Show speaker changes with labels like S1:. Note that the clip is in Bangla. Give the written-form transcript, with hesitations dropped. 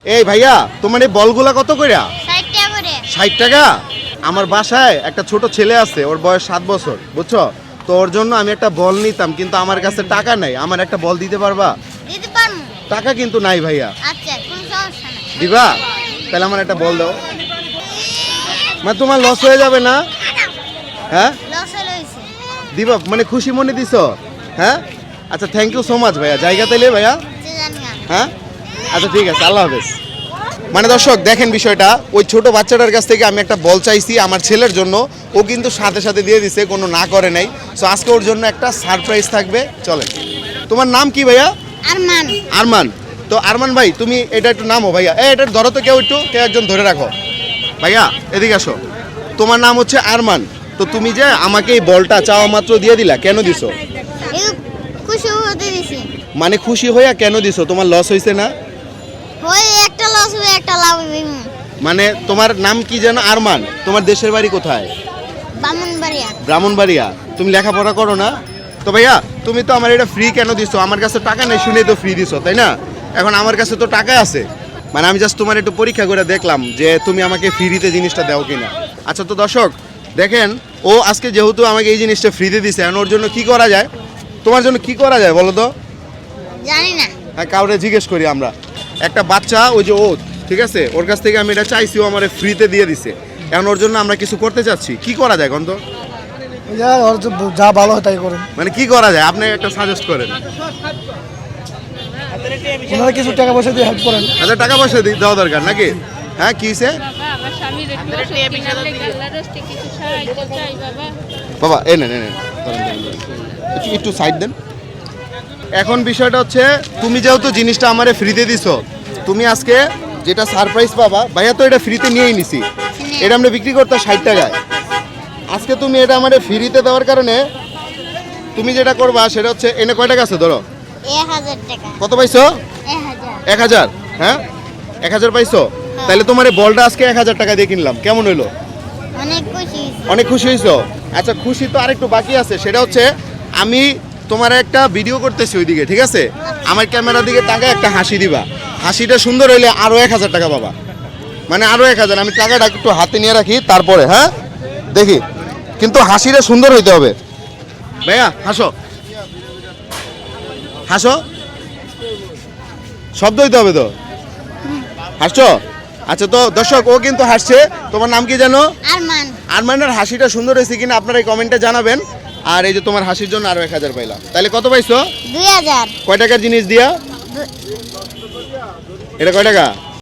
S1: এই ভাইয়া তোমার এই বলগুলা কত কইরা?
S2: 60 টাকা করে।
S1: 60 টাকা? আমার বাসায় একটা ছোট ছেলে আছে, ওর বয়স 7 বছর, বুঝছো? তো ওর জন্য আমি একটা বল নিতাম, কিন্তু আমার কাছে টাকা নাই। আমার একটা বল দিতে পারবা?
S2: দিতে পারমু।
S1: টাকা কিন্তু নাই ভাইয়া।
S2: আচ্ছা, কোনো সমস্যা নাই।
S1: দিবা? তাহলে আমার একটা বল দাও। মানে তোমার লস হয়ে যাবে না? হ্যাঁ,
S2: লস হইছে।
S1: দিবা? মানে খুশি মনে দিছো? হ্যাঁ, আচ্ছা, থ্যাংক ইউ সো মাচ ভাইয়া। জায়গা তাইলে ভাইয়া?
S2: যে জানি না।
S1: হ্যাঁ, আচ্ছা ঠিক আছে, আল্লাহ হাফেজ। মানে দর্শক দেখেন বিষয়টা, ওই ছোট বাচ্চাটার কাছ থেকে আমি একটা বল চাইছি আমার ছেলের জন্য, ও কিন্তু সাথে সাথে দিয়ে দিছে, কোনো না করে নাই। সো আজকে ওর জন্য একটা সারপ্রাইজ থাকবে। চলেন। তোমার নাম কি ভাইয়া?
S2: আরমান।
S1: আরমান। তো আরমান ভাই, তুমি এটা একটু নামো ভাইয়া। এটা ধরো তো, কেউ একজন ধরে রাখো। ভাইয়া এদিকে আসো। তোমার নাম হচ্ছে আরমান। তো তুমি যে আমাকে এই বলটা চাওয়া মাত্র দিয়ে দিলা, কেন দিছো?
S2: এই খুশি হতে দিছি।
S1: মানে খুশি হইয়া কেন দিছো? তোমার লস হয়েছে না?
S2: ওই একটা লস হবে, একটা লাভ হবে।
S1: মানে তোমার নাম কি যেন? আরমান। তোমার দেশের বাড়ি কোথায়?
S2: ব্রাহ্মণবাড়িয়া।
S1: ব্রাহ্মণবাড়িয়া। তুমি লেখাপড়া করো না? তো ভাইয়া তুমি তো আমার এটা ফ্রি কেন দিছো? আমার কাছে টাকা নেই শুনেই তো ফ্রি দিছো, তাই না? এখন আমার কাছে তো টাকা আছে, মানে আমি জাস্ট তোমার একটু পরীক্ষা করে দেখলাম যে তুমি আমাকে ফ্রিতে জিনিসটা দাও কিনা। আচ্ছা, তো দর্শক দেখেন, ও আজকে যেহেতু আমাকে এই জিনিসটা ফ্রিতে দিছে, এখন ওর জন্য কি করা যায়? তোমার জন্য কি করা যায় বলো তো?
S2: জানি না।
S1: হ্যাঁ, কাউরে জিজ্ঞেস করি আমরা। একটা বাচ্চা, ওই যে ও, ঠিক আছে, ওর কাছ থেকে আমি এটা চাইছি, ও আমার ফ্রিতে দিয়ে দিছে। এখন ওর জন্য আমরা কিছু করতে চাচ্ছি, কি করা যায় গন্ত?
S3: যা ভালো হয় তাই করেন।
S1: মানে কি করা যায়, আপনি একটা সাজেস্ট করেন।
S3: ওনারা কিছু টাকা পয়সা দিয়ে হেল্প করেন।
S1: আচ্ছা, টাকা পয়সা দেওয়া দরকার নাকি? হ্যাঁ, কি হয়েছে
S4: আমার স্বামীর একটু অসুখ, আপনি আল্লাহর রাস্তে কিছু সাহায্য চাই বাবা।
S1: বাবা? এই নেন, একটু সাইড দেন। এখন বিষয়টা হচ্ছে, তুমি যেহেতু জিনিসটা আমারে ফ্রিতে দিছো, তুমি আজকে যেটা সারপ্রাইজ পাবা, ভাইয়া তো এটা ফ্রিতে নিয়েই নিছি, এটা আমরা বিক্রি করতে 60 টাকায়। আজকে তুমি এটা আমারে ফ্রিতে দেওয়ার কারণে তুমি যেটা করবা সেটা হচ্ছে, এনে কয় টাকা আছে ধরো?
S2: 1000 টাকা।
S1: কত পাইছো?
S2: 1000।
S1: 1000? হ্যাঁ, 1000 পাইছো? তাহলে তোমার এই বলটা আজকে 1000 টাকা দিয়ে কিনলাম, কেমন হইলো?
S2: অনেক খুশি হইছি।
S1: অনেক খুশি হয়েছো? আচ্ছা, খুশি তো আরেকটু বাকি আছে, সেটা হচ্ছে আমি তোমার একটা ভিডিও করতেছি ওইদিকে, ঠিক আছে? আমার ক্যামেরার দিকে তাকায় একটা হাসি দিবা। হাসিটা সুন্দর হইলে আরো 1000 টাকা পাবা। মানে আরো 1000। আমি টাকাটা একটু হাতে নিয়ে রাখি, তারপরে হ্যাঁ দেখি, কিন্তু হাসিটা সুন্দর হইতে হবে। ভাইয়া হাসো, হাসো, শব্দ হইতে হবে তো। হাসছো? আচ্ছা, তো দর্শক ও কিন্তু হাসছে। তোমার নাম কি জানো?
S2: আরমান।
S1: আরমানের হাসিটা সুন্দর হয়েছে কিনা আপনারা এই কমেন্টে জানাবেন। আর এই যে তোমার হাসির জন্য আরো 1000 পাইলা, তাহলে কত পাইছো?
S2: 2000।
S1: কয় টাকার জিনিস দিয়া? এটা কয় টাকা?